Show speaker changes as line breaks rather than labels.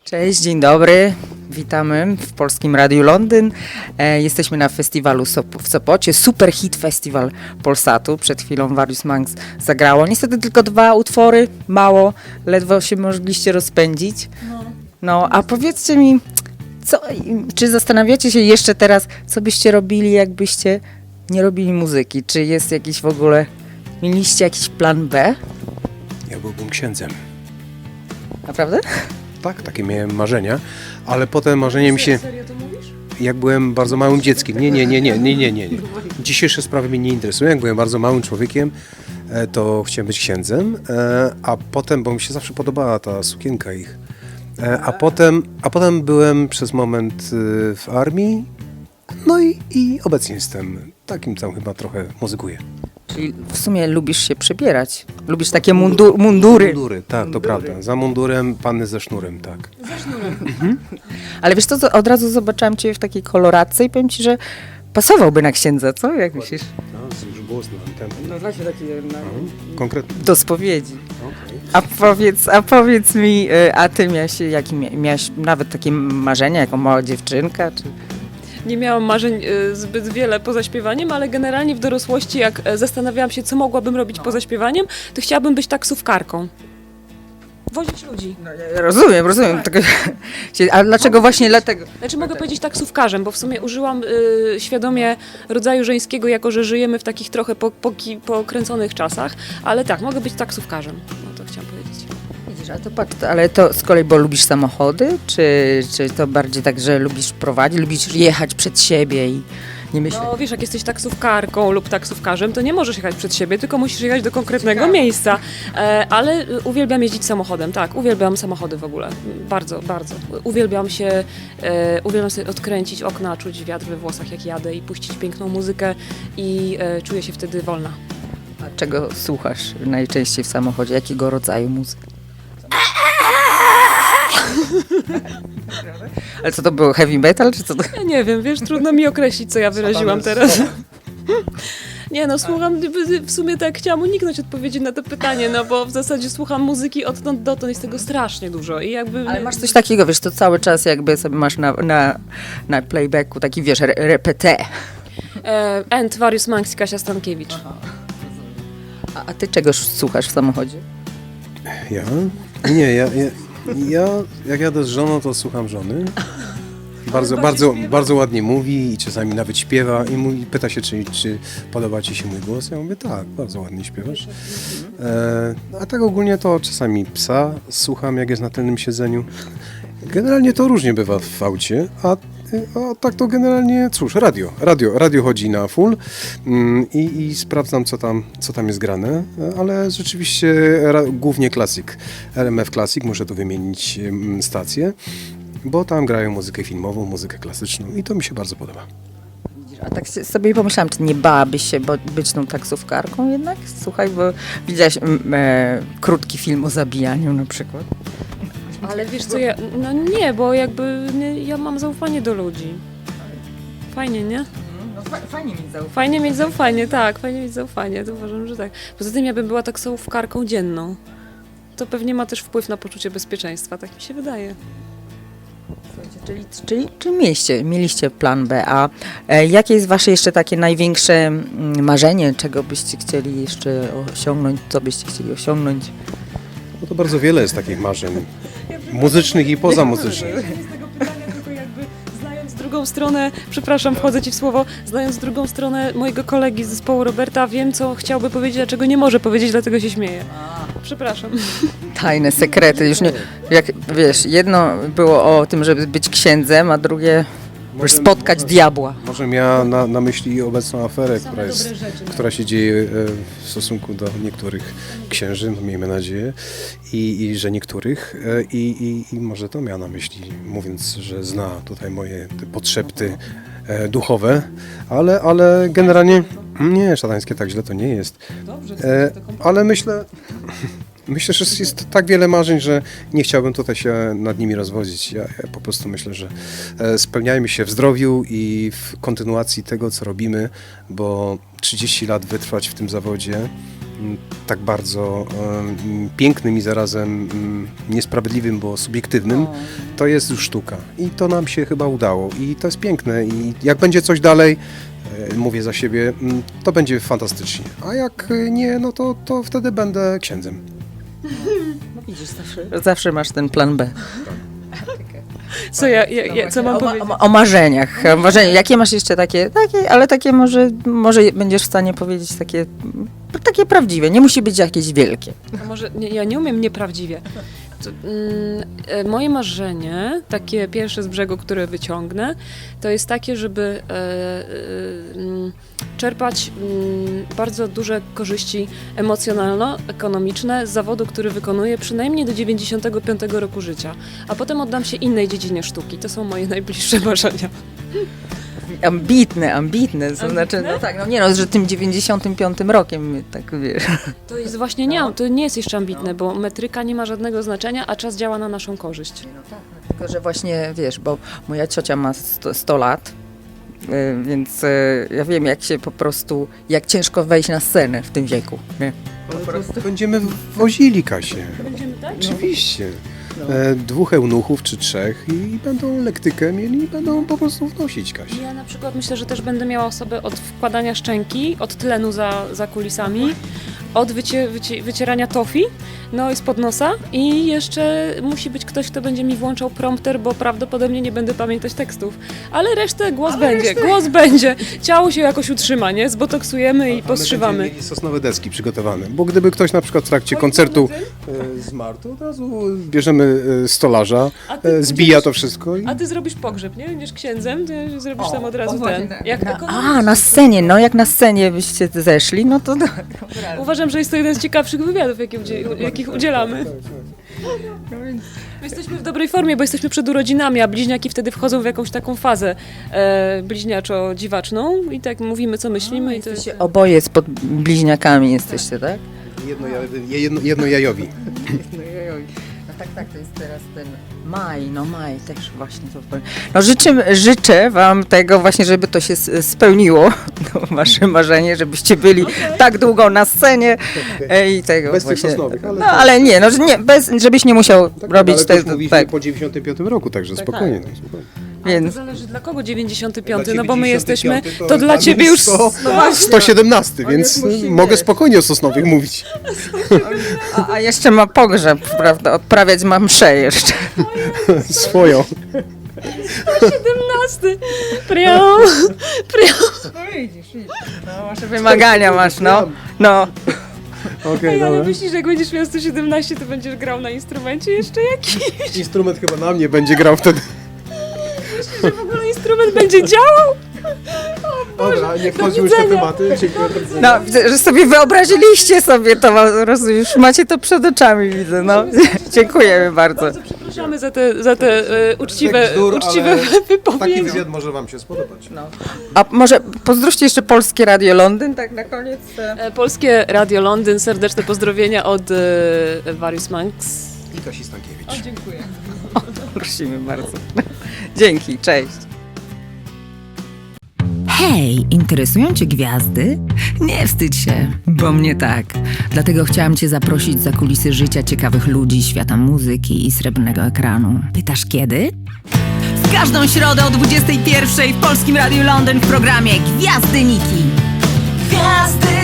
Cześć, dzień dobry. Witamy w Polskim Radiu Londyn. Jesteśmy na festiwalu w Sopocie. Super hit festiwal Polsatu. Przed chwilą Various Monks zagrało. Niestety tylko 2 utwory, mało, ledwo się mogliście rozpędzić. No, a powiedzcie mi, czy zastanawiacie się jeszcze teraz, co byście robili, jakbyście nie robili muzyki? Czy jest jakiś w ogóle, mieliście jakiś plan B?
Ja byłbym księdzem.
Naprawdę?
Tak, takie miałem marzenia, ale potem marzenie mi się...
Serio to mówisz?
Jak byłem bardzo małym dzieckiem. Nie. Dzisiejsze sprawy mnie nie interesują. Jak byłem bardzo małym człowiekiem, to chciałem być księdzem, a potem, bo mi się zawsze podobała ta sukienka ich, a potem byłem przez moment w armii, no i obecnie jestem takim tam chyba trochę muzykuję.
Czyli w sumie lubisz się przebierać. Lubisz takie mundury.
Mundury, tak, to prawda. Za mundurem panny ze sznurem, tak.
Ale wiesz co, od razu zobaczyłam cię w takiej koloradce i powiem ci, że pasowałby na księdza, co? Jak myślisz?
No, już było znane.
No właśnie taki
Konkretnie.
do spowiedzi.
Okay.
A powiedz mi, a ty miałaś nawet takie marzenia jako mała dziewczynka? Czy...
Nie miałam marzeń zbyt wiele poza śpiewaniem, ale generalnie w dorosłości, jak zastanawiałam się, co mogłabym robić poza śpiewaniem, to chciałabym być taksówkarką. Wozić ludzi.
No, ja rozumiem. A dlaczego właśnie dlatego?
Znaczy mogę powiedzieć taksówkarzem, bo w sumie użyłam świadomie rodzaju żeńskiego, jako że żyjemy w takich trochę pokręconych czasach, ale tak, mogę być taksówkarzem. No to chciałam powiedzieć.
Widzisz, ale to z kolei, bo lubisz samochody? Czy to bardziej tak, że lubisz prowadzić, lubisz jechać przed siebie i nie myśleć?
No wiesz, jak jesteś taksówkarką lub taksówkarzem, to nie możesz jechać przed siebie, tylko musisz jechać do konkretnego miejsca. Ale uwielbiam jeździć samochodem, tak, uwielbiam samochody w ogóle. Bardzo, bardzo. Uwielbiam sobie odkręcić okna, czuć wiatr we włosach jak jadę i puścić piękną muzykę i czuję się wtedy wolna.
A czego słuchasz najczęściej w samochodzie? Jakiego rodzaju muzyki? Ale co to było? Heavy metal? Czy co to?
Ja nie wiem, wiesz, trudno mi określić, co ja wyraziłam teraz. Nie no, słucham, w sumie tak chciałam uniknąć odpowiedzi na to pytanie, no bo w zasadzie słucham muzyki odtąd dotąd, jest tego strasznie dużo i jakby...
Ale masz coś takiego, wiesz, to cały czas jakby sobie masz na playbacku taki, wiesz, repetę.
And Various Monks i Kasia Stankiewicz.
A ty czegoś słuchasz w samochodzie?
Ja? Nie, ja jak jadę z żoną, to słucham żony. Bardzo ładnie mówi i czasami nawet śpiewa i pyta się, czy podoba ci się mój głos. Ja mówię, tak, bardzo ładnie śpiewasz. A tak ogólnie to czasami psa słucham, jak jest na tylnym siedzeniu. Generalnie to różnie bywa w aucie, a tak to generalnie, cóż, radio chodzi na full i sprawdzam, co tam jest grane, ale rzeczywiście głównie klasyk, RMF Classic, muszę tu wymienić stację, bo tam grają muzykę filmową, muzykę klasyczną i to mi się bardzo podoba.
A tak sobie pomyślałam, czy nie bałabyś się być tą taksówkarką jednak? Słuchaj, bo widziałaś krótki film o zabijaniu na przykład.
Ale wiesz co, no nie, bo jakby ja mam zaufanie do ludzi. Fajnie, nie?
No, fajnie mieć zaufanie.
Fajnie mieć zaufanie, tak, fajnie mieć zaufanie, to uważam, że tak. Poza tym ja bym była taksówkarką dzienną. To pewnie ma też wpływ na poczucie bezpieczeństwa, tak mi się wydaje.
Czyli mieliście plan B, a jakie jest wasze jeszcze takie największe marzenie, czego byście chcieli jeszcze osiągnąć, co byście chcieli osiągnąć?
No to bardzo wiele jest takich marzeń, muzycznych i pozamuzycznych.
Z tego pytania, tylko jakby znając drugą stronę, przepraszam, wchodzę ci w słowo, znając drugą stronę mojego kolegi z zespołu Roberta, wiem, co chciałby powiedzieć, a czego nie może powiedzieć, dlatego się śmieję. Przepraszam.
Tajne sekrety, już nie, jak wiesz, jedno było o tym, żeby być księdzem, a drugie spotkać diabła.
Może miała na myśli obecną aferę, która się dzieje w stosunku do niektórych księży, no miejmy nadzieję, i że niektórych, i może to miała na myśli, mówiąc, że zna tutaj moje te podszepty duchowe, ale generalnie nie, szatańskie tak źle to nie jest. Ale myślę, że jest tak wiele marzeń, że nie chciałbym tutaj się nad nimi rozwodzić. Ja po prostu myślę, że spełniajmy się w zdrowiu i w kontynuacji tego, co robimy, bo 30 lat wytrwać w tym zawodzie tak bardzo pięknym i zarazem niesprawiedliwym, bo subiektywnym, to jest już sztuka. I to nam się chyba udało. I to jest piękne. I jak będzie coś dalej, mówię za siebie, to będzie fantastycznie. A jak nie, no to wtedy będę księdzem.
No widzisz, zawsze masz ten plan B.
Co mam powiedzieć?
O marzeniach. Jakie masz jeszcze takie, ale takie może będziesz w stanie powiedzieć takie prawdziwe. Nie musi być jakieś wielkie.
A może ja nie umiem nieprawdziwie. Moje marzenie, takie pierwsze z brzegu, które wyciągnę, to jest takie, żeby czerpać bardzo duże korzyści emocjonalno-ekonomiczne z zawodu, który wykonuję przynajmniej do 95 roku życia, a potem oddam się innej dziedzinie sztuki. To są moje najbliższe marzenia.
Ambitne, to znaczy, no tak, że tym 95 rokiem, tak wiesz.
To jest właśnie to nie jest jeszcze ambitne, bo metryka nie ma żadnego znaczenia, a czas działa na naszą korzyść.
Tylko, że właśnie, wiesz, bo moja ciocia ma 100 lat, więc ja wiem, jak ciężko wejść na scenę w tym wieku. Nie?
Będziemy wozili Kasię.
Będziemy tak?
Oczywiście. 2 eunuchów czy 3 i będą lektykę mieli i będą po prostu wnosić Kasię.
Ja na przykład myślę, że też będę miała osobę od wkładania szczęki, od tlenu za kulisami, od wycierania tofi, no i spod nosa i jeszcze musi być ktoś, kto będzie mi włączał prompter, bo prawdopodobnie nie będę pamiętać tekstów. Ale resztę głos będzie. Ciało się jakoś utrzyma, nie? Zbotoksujemy i poszywamy.
Będziemy mieli sosnowe deski przygotowane, bo gdyby ktoś na przykład w trakcie koncertu zmarł, to od razu bierzemy stolarza, zbija to wszystko i...
A ty zrobisz pogrzeb, nie? Będziesz księdzem, ty zrobisz tam od razu
właśnie
ten.
tak.
Jak
Na scenie, jak na scenie byście zeszli, no to...
Uważam, że jest to jeden z ciekawszych wywiadów, jakich udzielamy. My jesteśmy w dobrej formie, bo jesteśmy przed urodzinami, a bliźniaki wtedy wchodzą w jakąś taką fazę bliźniaczo-dziwaczną i tak mówimy, co myślimy. I to jest...
Oboje pod bliźniakami jesteście, tak?
Jednojajowi.
No tak, to jest teraz ten maj też właśnie to powiem. No życzę wam tego właśnie, żeby to się spełniło, wasze marzenie, żebyście byli tak długo na scenie i tego
Bez
właśnie.
tych sosnowych, ale...
Ale nie, żebyś nie musiał robić
ale
tego.
to już mówiliśmy po 95 roku, także spokojnie. spokojnie.
Więc
To zależy dla kogo 95,
Dla
no bo my
95
jesteśmy, to dla ciebie już...
117, więc mogę spokojnie o sosnowych mówić.
a jeszcze ma pogrzeb, prawda? Odprawiać ma mszę jeszcze.
Swoją.
17! Prią!
No widzisz. No, wasze wymagania masz, no.
Okej,
Ale
dobra.
myślisz, że jak będziesz miał 117, to będziesz grał na instrumencie jeszcze jakiś?
Instrument chyba na mnie będzie grał wtedy.
Że w ogóle instrument będzie działał?
Dobra, nie wchodzimy już w te tematy. Dziękuję bardzo.
No, widzę, że sobie wyobraziliście sobie to, już macie to przed oczami, widzę, no. Dziękujemy bardzo.
Bardzo przepraszamy za te uczciwe
Taki
wypowiedzi.
wywiad może wam się spodobać.
No. A może pozdrówcie jeszcze Polskie Radio Londyn, tak na koniec?
Polskie Radio Londyn, serdeczne pozdrowienia od Various Monks.
I Kasi Stankiewicz.
Dziękuję.
Prosimy bardzo. Dzięki, cześć.
Hej, interesują Cię gwiazdy? Nie wstydź się, bo mnie tak. Dlatego chciałam Cię zaprosić za kulisy życia ciekawych ludzi, świata muzyki i srebrnego ekranu. Pytasz kiedy? W każdą środę o 21:00 w Polskim Radiu Londyn w programie Gwiazdy Niki. Gwiazdy